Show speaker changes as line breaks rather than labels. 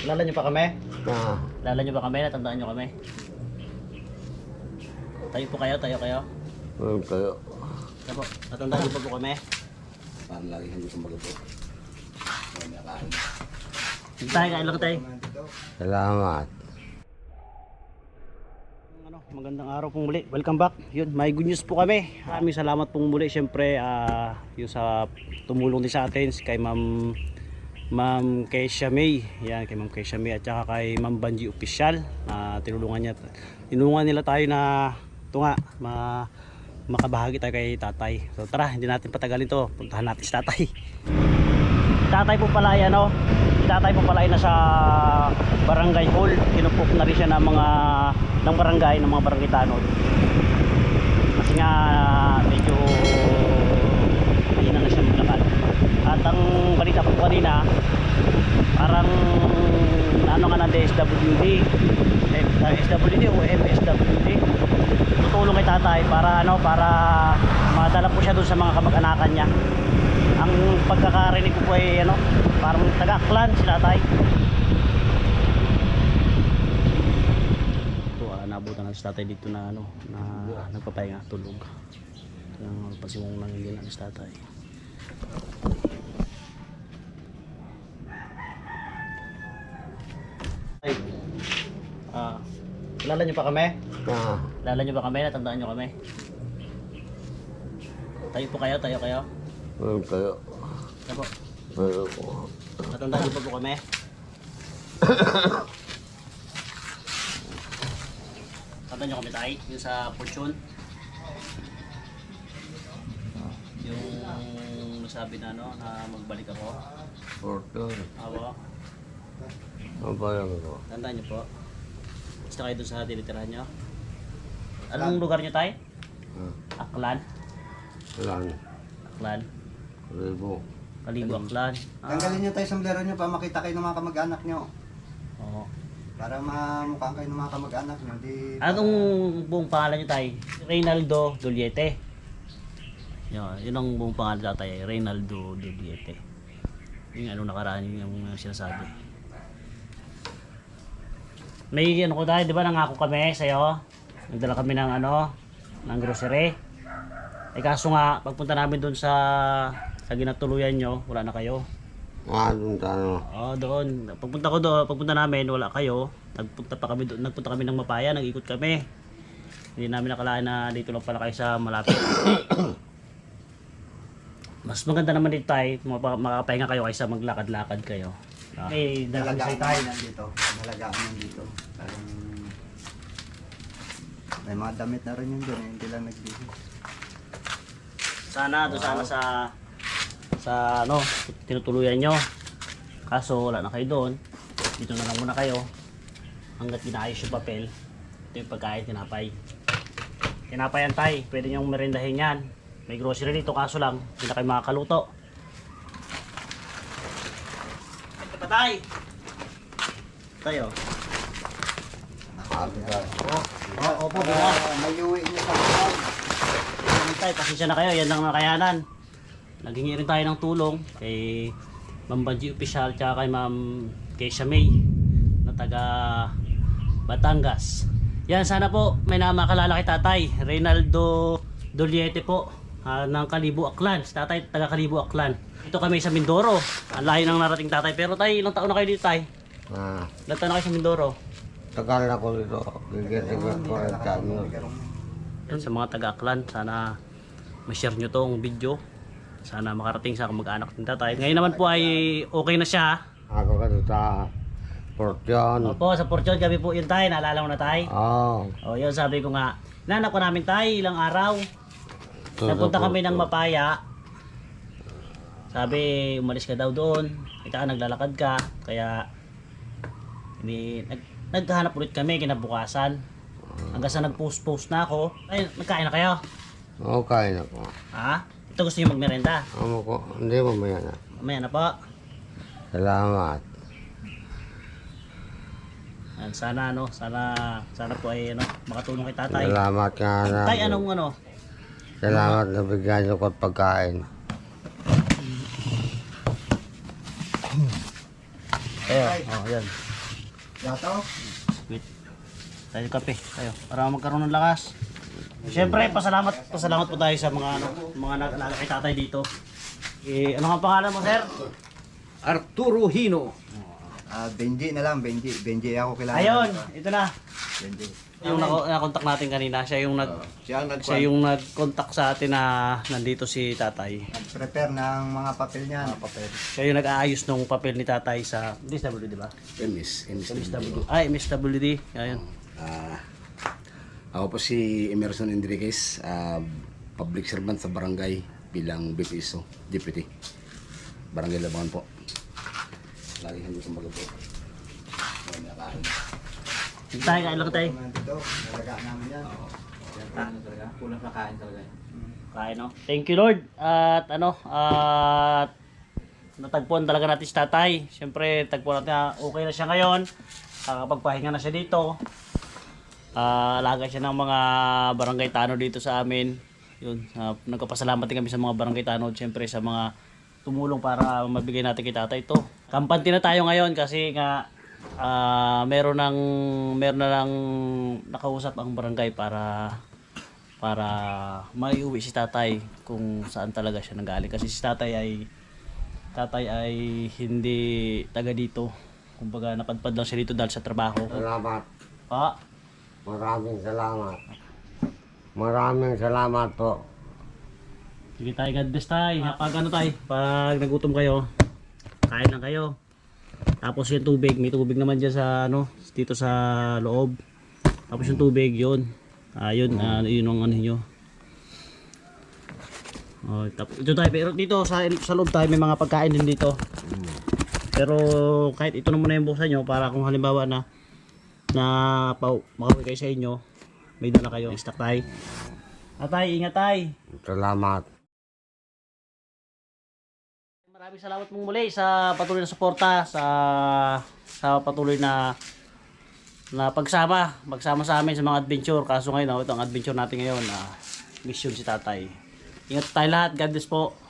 Kilala niyo pa kami?
Ah,
Kilala niyo ba kami? Natandaan niyo kami? Tayo po kayo, tayo kayo.
meron kayo.
Ano po? Natandaan niyo pa po kami?
Parang lagi hindi ko magabot.
Tayo, kain lang tayo.
Salamat.
Magandang araw pong muli. Welcome back. Yun, may good news po kami. Maraming salamat pong muli. Siyempre, yung sa tumulong din sa atin kay Ma'am Keisha May. Yan, kay Ma'am Keisha May at saka kay Ma'am Banji Official. Tinulungan nila tayo na ito nga, makabahagi tayo kay tatay. So tara, hindi natin patagalin to. Puntahan natin si tatay. Tatay po pala ay ano, tatay po pala ay nasa barangay hall. Kinupok na rin siya ng mga ng barangay, ng mga barangay tanod. Kasi nga medyo mahina na siya maglakad. At ang balita po kanina, parang ano nga ng DSWD, SWD o MSWD, tutulong kay tatay para ano, para madala po siya doon sa mga kamag-anakan niya. Ang pagkakarinig ko po ay ano, parang taga-Aklan si tatay. Ito, nabutan na si tatay dito na ano, na nagpapahinga, tulog. Yung pasimong nangigilan si tatay. Ay, kilala niyo pa kami?
Ah,
Kilala niyo ba kami? Natandaan niyo kami? Tayo po kayo, tayo kayo.
meron kayo.
Ano po?
Meron ko.
Natandaan niyo pa po kami? Natandaan niyo kami tayo? Yung sa Fortune? Yung nasabi na ano, na magbalik ako?
Fortune.
Awa?
Ang bayan ko.
Tandaan niyo po? Basta kayo doon sa tinitirahan niyo? Anong lugar niyo tayo? Aklan?
Lan.
Aklan?
Ribo.
Kalibo Aklan?
Tanggalin niyo tayo sombrero niyo para makita kayo ng mga kamag-anak niyo.
Oo.
Para mamukhaan kayo ng mga kamag-anak niyo. Di
Anong buong pangalan niyo tayo? Reynaldo Duliete. Yun ang buong pangalan tatay, Reynaldo Duliete. Yung ano nakaraan yung sinasabi. May ano ko tayo, di ba nangako kami sa'yo? Nagdala kami ng ano, ng grocery. Eh kaso nga, pagpunta namin doon sa ginatuluyan nyo, wala na kayo.
Doon tayo.
Oo, doon. Pagpunta ko doon, pagpunta namin, wala kayo. Nagpunta kami ng Mapaya, nag-ikot kami. Hindi namin nakalaan na dito lang pala kayo sa malapit. Mas maganda naman dito tayo, makapahinga kayo kaysa maglakad-lakad kayo. Okay,
nalagaan
tayo.
nandito. Nalagaan nandito. Parang may mga damit na rin yun doon. Hindi lang nagbihis.
Sana, doon sana sa ano, tinutuluyan nyo. Kaso wala na kayo doon. Dito na lang muna kayo. Hanggat ginaayos yung papel. Ito yung pagkain, tinapay. Tinapay yan tay, pwede nyong merendahin yan. May grocery dito, kaso lang, hindi na kayo makakaluto. Ito pa tay! Tayo. Opo, bukas.
May uwi niyo sa kapag.
Tay, pasensya na kayo, yan lang nakayanan. Naghingi rin tayo ng tulong kay Ma'am Banji Official tsaka kay Ma'am Keisha May na taga Batangas. Yan, sana po may namakalala kay tatay, Reynaldo Duliete po, ng Kalibo Aklan. Si tatay taga Kalibo Aklan. Ito kami sa Mindoro. Ang layo ng narating tatay. Pero tay, ilang taon na kayo dito tay? Ilang taon na kayo sa Mindoro?
Tagal na ko dito. Gigit-gigit ko rin kami.
Yan, sa mga taga Aklan, sana ma-share nyo tong video. Sana makarating sa kamag-anak ng tatay. Ngayon naman po ay okay na siya.
Ako ka sa Fortune.
Opo, sa Fortune kami po yun tayo. Naalala mo na tayo?
Oo.
O yun, sabi ko nga. Inanak ko namin tayo ilang araw. Napunta kami ng Mapaya. Sabi, umalis ka daw doon. Kita ka, naglalakad ka. Kaya, naghahanap ulit kami kinabukasan. Hanggang sa nag-post na ako. Ay, nagkain na kayo?
Okay na ko.
Ha? Ito gusto nyo magmerenda?
Amo ko. Hindi mamaya na.
Mamaya na po.
Salamat.
Yan, sana ano, sana po ay ano, makatulong kay tatay.
Salamat nga na.
Tay, anong ano?
Salamat na bigyan niyo ko at pagkain.
Ayan, oh, yan.
Yato?
Wait. Tayo kape, tayo. Para magkaroon ng lakas. Siyempre, pasalamat po tayo sa mga nag-alaga kay tatay dito. Ano ang pangalan mo, sir?
Arturo Hino.
Benji na lang, Benji. Benji ako kilala.
Ayun, ito na.
Benji.
Yung nakontak natin kanina, siya yung
Siya ang
nag-contact sa atin na nandito si tatay.
Nag-prepare ng mga papel niya.
Siya yung nag-aayos ng papel ni tatay sa DSWD, di ba?
MSWD.
MSWD. Ayun.
Ako po si Emerson Enriquez, public servant sa barangay bilang BPSO, Deputy. Barangay Labangan po. Lagi hindi kong magapo.
Tayo, kain lang tayo.
Dito, nalagaan namin yan.
Kulang na kain talaga.
Kain, no? Thank you, Lord. At natagpuan talaga natin si tatay. Siyempre, tagpuan natin na okay na siya ngayon. Nakakapagpahinga na siya dito. Alaga siya ng mga barangay tanod dito sa amin. Yun, nagpapasalamat din kami sa mga barangay tanod, siyempre sa mga tumulong para mabigay natin kay tatay ito. Kampante na tayo ngayon kasi nga meron na lang nakausap ang barangay para maiuwi si tatay kung saan talaga siya nanggaling. Kasi si tatay ay hindi taga dito. Kumbaga napadpad lang siya dito dahil sa trabaho.
Salamat.
Pa,
Maraming salamat. Maraming salamat po.
sige tayo, God bless tayo. Pag pag nagutom kayo, kain lang kayo. Tapos yung tubig, may tubig naman dyan sa dito sa loob. Tapos yung tubig, yun. Yun ang ano nyo. Tapos ito tayo, pero dito sa loob tayo may mga pagkain din dito. Pero kahit ito na muna yung buksan nyo para kung halimbawa na makauwi kayo sa inyo, may dala kayo. Stock tayo. Atay, ingat tayo.
Salamat.
Maraming salamat mong muli sa patuloy na suporta, sa patuloy na magsama sa amin sa mga adventure. Kaso ngayon, ito ang adventure natin ngayon, mission si tatay. Ingat tayo lahat. God bless po.